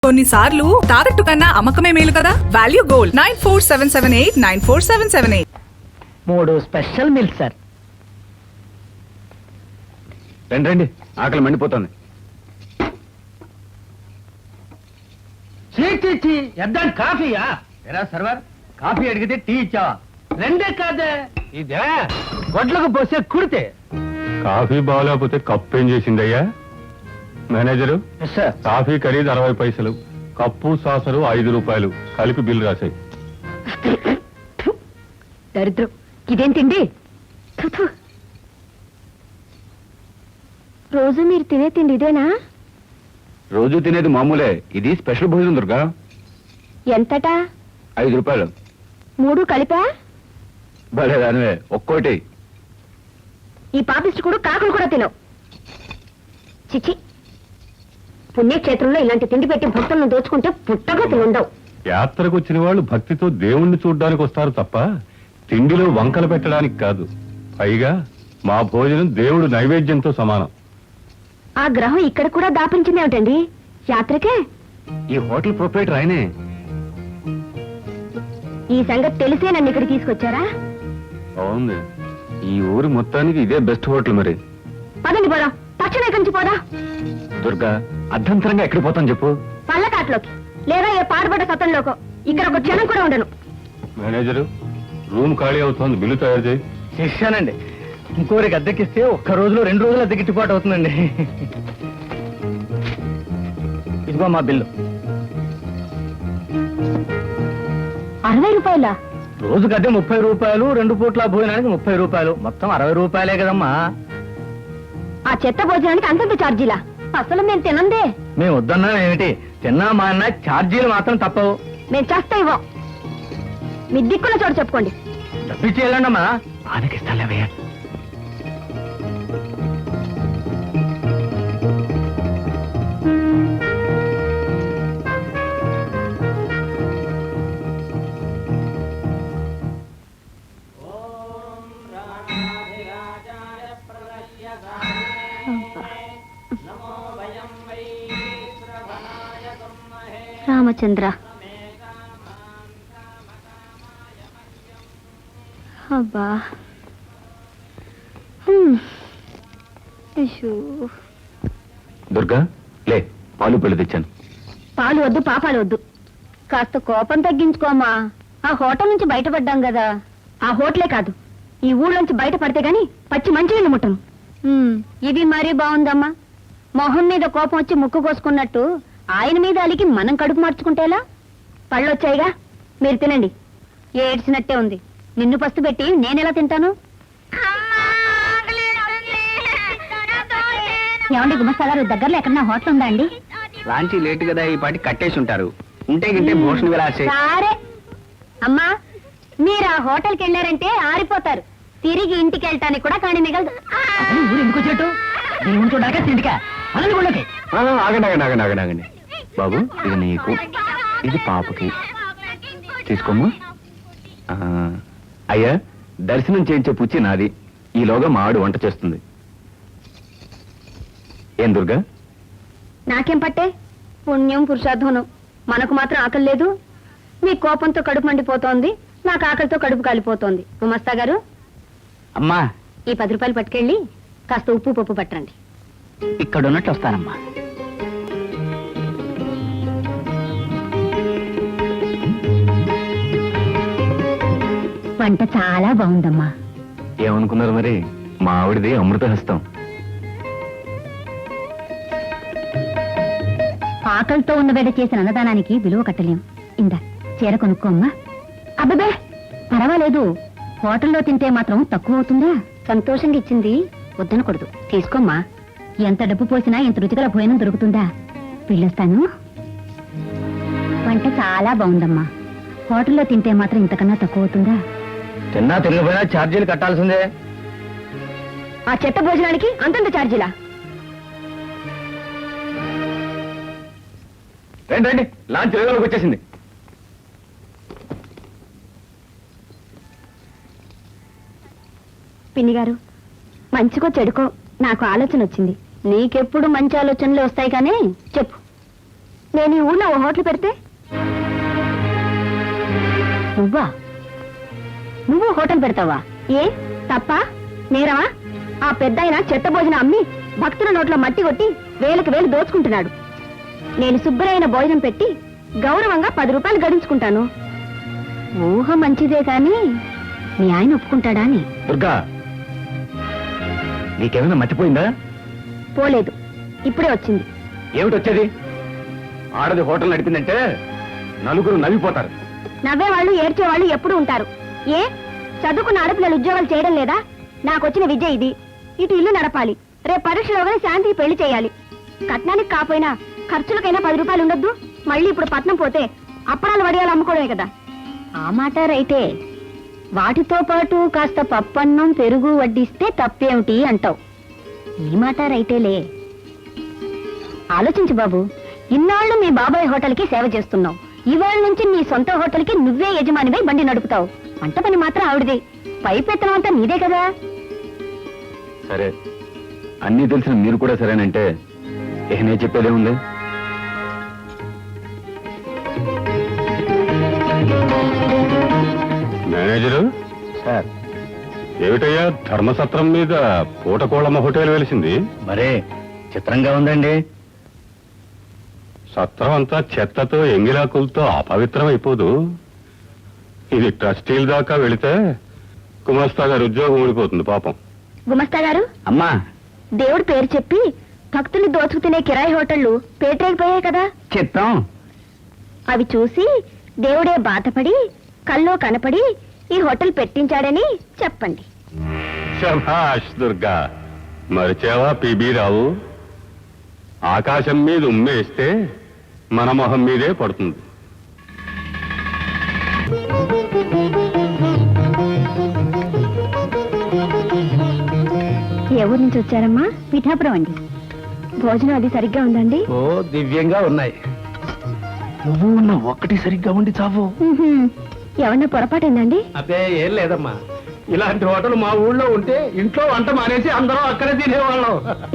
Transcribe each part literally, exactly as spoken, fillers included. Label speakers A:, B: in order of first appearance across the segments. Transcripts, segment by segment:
A: కొన్నిసార్లు తాకట్టు కన్నా అమ్మకమే మేలు కదా. Value gold nine four seven seven eight nine four seven seven eight.
B: మూడు స్పెషల్ మిల్క్ సార్.
C: రండి రండి, ఆకలి మండిపోతుంది.
B: ఎద్దాం కాఫీయా? ఎరా సర్వర్, కాఫీ అడిగితే టీ ఇచ్చావా? రెండే కాదే, ఇదే గొడ్లకు పోసే కుడితే.
C: కాఫీ బాగోలేకపోతే కప్పు ఏం చేసిందయ్యా? మేనేజరు, కాఫీ ఖరీదు అరవై పైసలు, కప్పు సాసరు ఐదు రూపాయలు, కలిపి బిల్లు రాశాయి.
D: దరిద్రం, ఇదేం తిండి? రోజు మీరు తినే తిండి ఇదేనా?
C: రోజు తినేది మామూలే, ఇది స్పెషల్ భోజనం దుర్గా.
D: ఎంతటా?
C: ఐదు రూపాయలు.
D: మూడు కలిపా?
C: భలే దానివే, ఒక్కోటి.
D: ఈ పాపిస్ట్ కూడా కాకులు కూడా తినవు. చిచి, పుణ్యక్షేత్రంలో ఇలాంటి తిండి పెట్టి భక్తులను దోచుకుంటే పుట్టగా తినుండవు.
C: యాత్రకు వచ్చిన వాళ్ళు భక్తితో దేవుణ్ణి చూడ్డానికి వస్తారు తప్ప తిండిలో వంకలు పెట్టడానికి కాదు. పైగా మా భోజనం దేవుడు నైవేద్యంతో సమానం.
D: ఆ గ్రహం ఇక్కడ కూడా దాపించింది ఏమిటండి? యాత్రకే?
C: ఈ హోటల్ ప్రొపరేటర్ ఆయనే.
D: ఈ సంగతి తెలిసే నన్ను ఇక్కడ తీసుకొచ్చారా?
C: అవును, ఈ ఊరు మొత్తానికి ఇదే బెస్ట్ హోటల్. మరి
D: పదండి పోదా, తక్షణ కంచి పోదా.
C: దుర్గా, అర్ధంతరంగా ఎక్కడికి పోతాను చెప్పు?
D: పల్లకాట్లోకి, లేదా ఏ పాడుబడ్డ సతంలోకో. ఇక్కడ ఒక క్షణం కూడా ఉండను.
C: మేనేజరు, రూమ్ ఖాళీ అవుతోంది, బిల్లు తయారు చేయి.
B: చేశానండి. ఇంకోరికి అద్దెకిస్తే ఒక్క రోజులో రెండు రోజులు అద్దె గిట్టుబాటు అవుతుందండి. ఇదిగో మా బిల్లు.
D: అరవై రూపాయల?
B: రోజుకి అద్దె ముప్పై రూపాయలు, రెండు పూట్ల భోజనానికి ముప్పై రూపాయలు, మొత్తం అరవై రూపాయలే కదమ్మా.
D: ఆ చెత్త భోజనానికి అంతంత ఛార్జీలా? అసలు మేము తినందే.
B: మేము వద్దన్నా ఏమిటి, తిన్నా మా అన్న ఛార్జీలు మాత్రం తప్పవు.
D: మేము చేస్తా ఇవ్వం. మీ దిక్కుల చోటు చెప్పుకోండి.
B: డబ్బిచ్చి వెళ్ళండమ్మా. ఆనకిస్తాలేవయ్యా.
D: రామచంద్ర, అబ్బా,
C: దుర్గా లే, పాలు పెళ్లి తెచ్చాను.
D: పాలు వద్దు, పాపాలు వద్దు. కాస్త కోపం తగ్గించుకోమా. ఆ హోటల్ నుంచి బయటపడ్డాం కదా. ఆ హోటలే కాదు, ఈ ఊళ్ళోంచి బయటపడితే గాని పచ్చి మంచినీళ్ళు ముట్టను. ఇది మరీ బాగుందమ్మా. మొహం మీద కోపం వచ్చి ముక్కు కోసుకున్నట్టు ఆయన మీద అలికి మనం కడుపు మార్చుకుంటేలా? పళ్ళొచ్చాయిగా, మీరు తినండి. ఏడ్చినట్టే ఉంది. నిన్ను పస్తు పెట్టి నేనెలా తింటాను? ఏమండి గుమస్తా గారు, దగ్గరలో ఎక్కడన్నా హోటల్ ఉందా అండి?
B: లాంచి లేట్ కదా, ఈ పాటి కట్టేసి ఉంటారు. ఉంటే గింటే భోషణ విలాసే.
D: సరే అమ్మా, మీరు ఆ హోటల్కి వెళ్ళారంటే ఆరిపోతారు. తిరిగి ఇంటికి వెళ్ళటానికి కూడా కానీ మిగలదు.
B: ఎందుకు వచ్చినట్టు చూడాక తిండికా?
C: ఆగండి ఆగండి ఆగండి ఆగండి ఆగండి బాబు, ఇది నీకు, ఇది పాపకి. తీసుకోమ్మా. అయ్యా, దర్శనం చేయించే పుచ్చి నాది. ఈలోగా మా ఆడు వంట చేస్తుంది. ఏం దుర్గా?
D: నాకేం పట్టే? పుణ్యం పురుషార్థనం. మనకు మాత్రం ఆకలి లేదు. మీ కోపంతో కడుపు మండిపోతోంది, నాకు ఆకలితో కడుపు కాలిపోతోంది. గుమస్తా గారు,
B: అమ్మా,
D: ఈ పది రూపాయలు పట్టుకెళ్ళి కాస్త ఉప్పు పప్పు పట్టండి.
B: ఇక్కడ ఉన్నట్టు వస్తానమ్మా.
D: వంట చాలా బాగుందమ్మా.
C: ఏమనుకున్నారు మరి? మా ఆవిడది అమృత హస్తం.
D: ఆకలితో ఉన్న వేడ చేసిన అన్నదానానికి విలువ కట్టలేం. ఇందా చీర కొనుక్కోమ్మా. అబ్బే పర్వాలేదు, హోటల్లో తింటే మాత్రం తక్కువ అవుతుందా? సంతోషంగా ఇచ్చింది వద్దనకూడదు, తీసుకోమ్మా. ఎంత డబ్బు పోసినా ఇంత రుచిగల భోజనం దొరుకుతుందా? వెళ్ళొస్తాను. వంట చాలా బాగుందమ్మా. హోటల్లో తింటే మాత్రం ఇంతకన్నా తక్కువ అవుతుందా?
B: తిన్నా తిరిగిపోయినా ఛార్జీలు కట్టాల్సిందే.
D: ఆ చెత్త భోజనానికి అంతంత ఛార్జీలా?
C: రండి రండి, లాంచ్ రేగలోకి వచ్చేసింది.
D: పిన్ని గారు, మంచికో చెడుకో నాకు ఆలోచన వచ్చింది. నీకెప్పుడు మంచి ఆలోచనలు వస్తాయి కానీ చెప్పు, నేను ఈ ఊళ్ళో ఓ హోటల్ పెడితే నువ్వా నువ్వు హోటల్ పెడతావా? ఏ తప్ప నేరమా? ఆ పెద్దాయన చెత్త భోజనం అమ్మి భక్తుల నోట్లో మట్టి కొట్టి వేలకు వేలు దోచుకుంటున్నాడు. నేను శుభ్రమైన భోజనం పెట్టి గౌరవంగా పది రూపాయలు గడించుకుంటాను. ఊహ మంచిదే కాని మీ ఆయన ఒప్పుకుంటాడా అని.
B: దుర్గా, నీకేమైనా మర్చిపోయిందా?
D: పోలేదు, ఇప్పుడే వచ్చింది.
B: ఏమిటి వచ్చేది? ఆడది హోటల్ నడిపిందంటే నలుగురు నవ్విపోతారు.
D: నవ్వేవాళ్ళు ఏడ్చేవాళ్ళు ఎప్పుడు ఉంటారు. ఏ చదువుకున్న ఆడపిల్లలు ఉద్యోగాలు చేయడం లేదా? నాకొచ్చిన విద్య ఇది. ఇటు ఇల్లు నడపాలి, రేపు పరీక్షలోగానే శాంతికి పెళ్లి చేయాలి. కట్నానికి కాపోయినా ఖర్చులకైనా పది రూపాయలు ఉండొద్దు. మళ్ళీ ఇప్పుడు పట్నం పోతే అప్పడాలు వడియాలు అమ్ముకోవడమే కదా. ఆ మాట రైతే. వాటితో పాటు కాస్త పప్పన్నం పెరుగు వడ్డిస్తే తప్పేమిటి అంటావు. ఈ మాట రైతేలే. ఆలోచించు బాబు, ఇన్నాళ్ళు మీ బాబాయ్ హోటల్కి సేవ చేస్తున్నావు. ఇవాళ నుంచి నీ సొంత హోటల్కి నువ్వే యజమానివై బండి నడుపుతావు. వంట పని మాత్రం ఆవిడది, పైపెత్తనం అంతా నీదే కదా.
B: సరే, అన్నీ తెలిసిన మీరు కూడా సరేనంటే ఇక నేను చెప్పేదే ఉంది.
C: మేనేజరు
B: సార్,
C: ఏమిటయ్యా ధర్మసత్రం మీద పూటకోళమ్మ హోటల్ వెలిసింది?
B: మరే చిత్రంగా ఉందండి.
C: సత్రం అంతా చెత్తతో ఎంగిలాకులతో అపవిత్రం అయిపోదు. ఇది ట్రస్టీల దాకా వెళితే గుమస్తా గారి ఉద్యోగం ఊడిపోతుంది పాపం.
D: గుమస్తా గారు,
B: అమ్మా,
D: దేవుడి పేరు చెప్పి భక్తులు దోచుకు తినే కిరాయి హోటళ్లు పేటరేగిపోయాయి కదా.
B: చిత్తం.
D: అవి చూసి దేవుడే బాధపడి కల్లో కనపడి ఈ హోటల్ పెట్టించాడని చెప్పండి.
C: శభాష్ దుర్గా, మరిచేవా పిబి రావు? ఆకాశం మీద ఉమ్మేస్తే మన మొహం మీదే పడుతుంది.
D: ఏ ఊరు నుంచి వచ్చారమ్మా? పిఠాపురం అండి. భోజనం అది సరిగ్గా ఉందండి?
B: ఓ దివ్యంగా ఉన్నాయి. నువ్వు ఉన్న ఒక్కటి సరిగ్గా ఉండి చావు.
D: ఏమన్నా పొరపాటైందండి?
B: అదే ఏం లేదమ్మా, ఇలాంటి హోటల్ మా ఊళ్ళో ఉంటే ఇంట్లో వంట మానేసి అందరం అక్కడే తినేవాళ్ళం.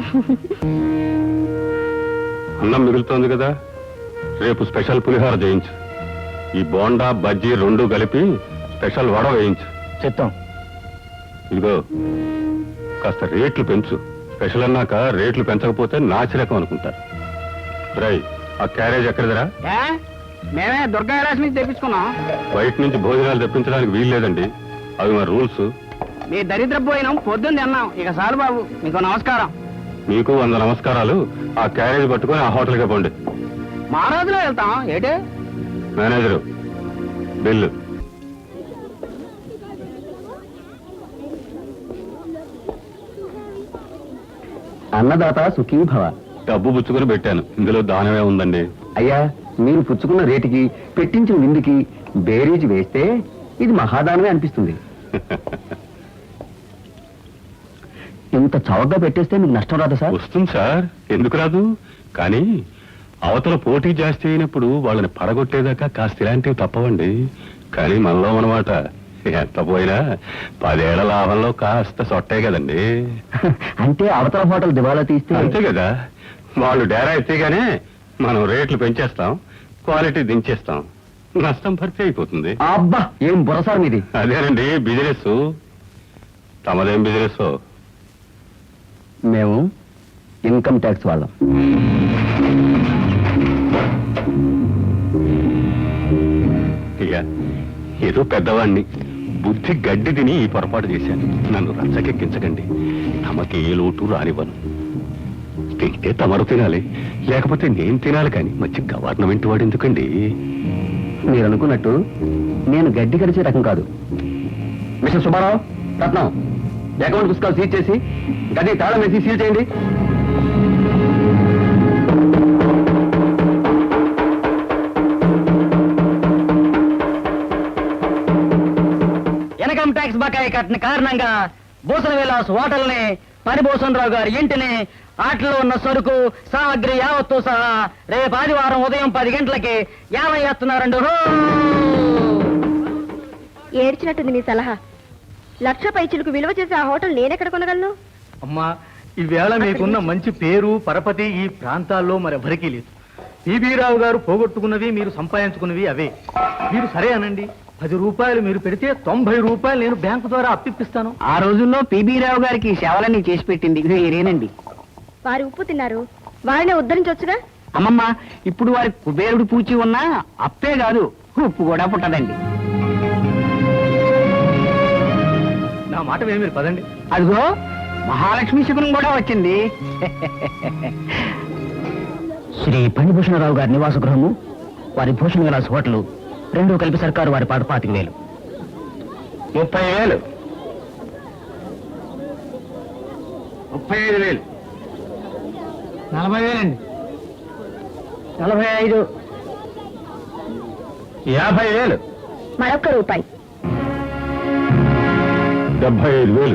C: అన్నం మిగులుతోంది కదా, రేపు స్పెషల్ పులిహోర చేయించు. ఈ బోండా బజ్జీ రెండు కలిపి స్పెషల్ వడ వేయించు.
B: చిత్తం.
C: ఇదిగో కాస్త రేట్లు పెంచు. స్పెషల్ అన్నాక రేట్లు పెంచకపోతే నాచిరకం అనుకుంటారు. రై, ఆ క్యారేజ్ ఎక్కడిదిరా?
B: మేమే దుర్గా విలాస్ నుంచి తెప్పించుకున్నాం.
C: బయట నుంచి భోజనాలు తెప్పించడానికి వీలు లేదండి, అవి మా రూల్స్.
B: మీ దరిద్ర పోయినాం, పొద్దున్న తిన్నాం. ఇక చాలు బాబు, మీకు నమస్కారం.
C: మీకు వంద నమస్కారాలు. ఆ క్యారేజ్ పట్టుకొని ఆ హోటల్కి పోండి.
B: మా రోజులో వెళ్తాం ఏటే.
C: Manager, bill.
B: అన్నదాత సుఖీభవ.
C: డబ్బు పుచ్చుకొని పెట్టాను, ఇందులో దానమే ఉందండి.
B: అయ్యా, మీరు పుచ్చుకున్న రేటుకి పెట్టించిన విందుకి బేరీజ్ వేస్తే ఇది మహాదానమే అనిపిస్తుంది. ఇంత చౌకగా పెట్టేస్తే మీకు నష్టం రాదా సార్?
C: వస్తుంది సార్, ఎందుకు రాదు? కానీ అవతల పోటీ జాస్తి అయినప్పుడు వాళ్ళని పడగొట్టేదాకా కాస్త ఇలాంటివి తప్పవండి. కానీ మనలో అన్నమాట ఎంత పోయినా పదేళ్ల లాభంలో కాస్త సొట్టే కదండి.
B: అంటే అవతల హోటల్ దివాలా తీస్తే
C: అంతే కదా, వాళ్ళు డేరా ఎత్తేగానే మనం రేట్లు పెంచేస్తాం, క్వాలిటీ దించేస్తాం, నష్టం భర్తీ అయిపోతుంది.
B: అబ్బా, ఏం బుర్రసార్ మీది.
C: అదేనండి బిజినెస్. తమదేం బిజినెస్?
B: మేము ఇన్కమ్ ట్యాక్స్ వాళ్ళం.
C: ఇక ఏదో పెద్దవాణ్ణి బుద్ధి గడ్డి తిని ఈ పొరపాటు చేశాను. నన్ను రచ్చకెక్కించకండి. తమకి ఏ లోటు రానివ్వను. తింటే తమరు తినాలి, లేకపోతే నేను తినాలి. కానీ మంచి గవర్నమెంట్ వాడు ఎందుకండి?
B: మీరు అనుకున్నట్టు నేను గడ్డి కడిచే రకం కాదు. మిస్టర్ సుబ్బారావు, రత్నం, అకౌంట్ పుస్తకాలు సీజ్ చేసి గది తాళం వేసి సీల్ చేయండి. ఇన్కమ్ ట్యాక్స్ బకాయి కట్టిన కారణంగా భూషణ విలాస్ హోటల్ని, పరిభూషణరావు గారి ఇంటిని, ఆటలో ఉన్న సరుకు సామగ్రి యావత్తు సహా రేపు ఆదివారం ఉదయం పది గంటలకి యాభై ఎత్తున్నారండు.
D: ఏడ్చినట్టుంది నీ సలహా. లక్ష పైచులకు విలువ చేసే ఆ హోటల్ నేనెక్కడ కొనగలను?
E: అమ్మా, ఈవేళ మీకున్న మంచి పేరు పరపతి ఈ ప్రాంతాల్లో మరెవరికీ లేదు. పిబి రావు గారు పోగొట్టుకున్నవి మీరు సంపాదించుకున్నవి అవే. మీరు సరే అనండి, పది రూపాయలు మీరు పెడితే తొంభై రూపాయలు నేను బ్యాంకు ద్వారా అప్పిస్తాను.
B: ఆ రోజుల్లో పిబి రావు గారికి సేవలన్నీ చేసి పెట్టింది మీరేనండి.
D: వారి ఉప్పు తిన్నారు, వారినే ఉద్ధరించవచ్చుగా.
B: అమ్మమ్మ, ఇప్పుడు వారి కుబేరుడు పూచి ఉన్నా అప్పే కాదు ఉప్పు కూడా పుట్టదండి.
E: నా మాట విని మీరు పదండి.
B: అదిగో మహాలక్ష్మి శకునం కూడా వచ్చింది. శ్రీ ఫణిభూషణరావు గారి నివాస గృహము, వారి భూషణ విలాస్ హోటల్ రెండు కలిపి సర్కారు వారి పాటు పాతిక వేలు.
C: ముప్పై వేలు ముప్పై ఐదు వేలు
B: నలభై వేలండి. నలభై ఐదు.
C: యాభై వేలు
D: మరొక్క రూపాయి.
C: డెబ్బై ఐదు వేలు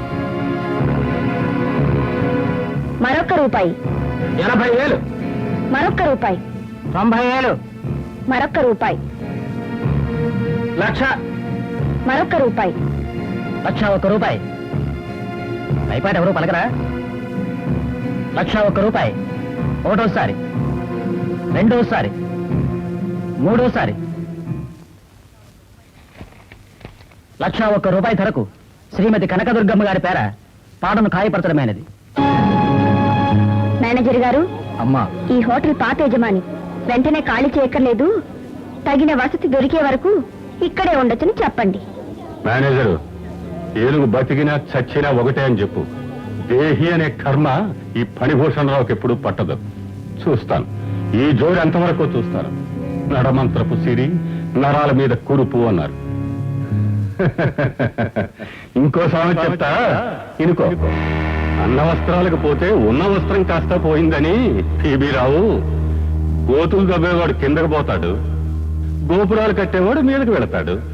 D: మరొక్క రూపాయి.
C: ఎనభై వేలు
D: మరొక్క రూపాయి.
B: తొంభై వేలు.
D: మరొక్క రూపాయి.
B: లక్ష.
D: మరొక్క రూపాయి.
B: లక్ష ఒక్క రూపాయి. అయిపోయి ఎవరు పలకరా? లక్ష ఒక్క రూపాయి. ఒకటోసారి, రెండోసారి, మూడోసారి. లక్ష ఒక్క రూపాయి ధరకు శ్రీమతి కనకదుర్గమ్మ గారి పేర పాటను ఖాయపరచడమైనది.
D: మేనేజర్ గారు,
B: అమ్మా,
D: ఈ హోటల్ పాత యజమాని వెంటనే ఖాళీ చేయక్కర్లేదు, తగిన వసతి దొరికే వరకు ఇక్కడే ఉండొచ్చని చెప్పండి.
C: మేనేజరు, ఏనుగు బతికినా చచ్చినా ఒకటే అని చెప్పు. దేహి అనే కర్మ ఈ ఫణిభూషణరావుకి ఎప్పుడు పట్టదు. చూస్తాను, ఈ జోడి ఎంతవరకు చూస్తాను. నడమంత్రపు సిరి, నరాల మీద కురుపు అన్నారు. ఇంకో సామెత చెప్తా, ఇనుకో. అన్న వస్త్రాలకు పోతే ఉన్న వస్త్రం కాస్త పోయిందని పిబి రావు. గోతులు దబ్బేవాడు కిందకు పోతాడు, గోపురాలు కట్టేవాడు మీదకి వెళతాడు.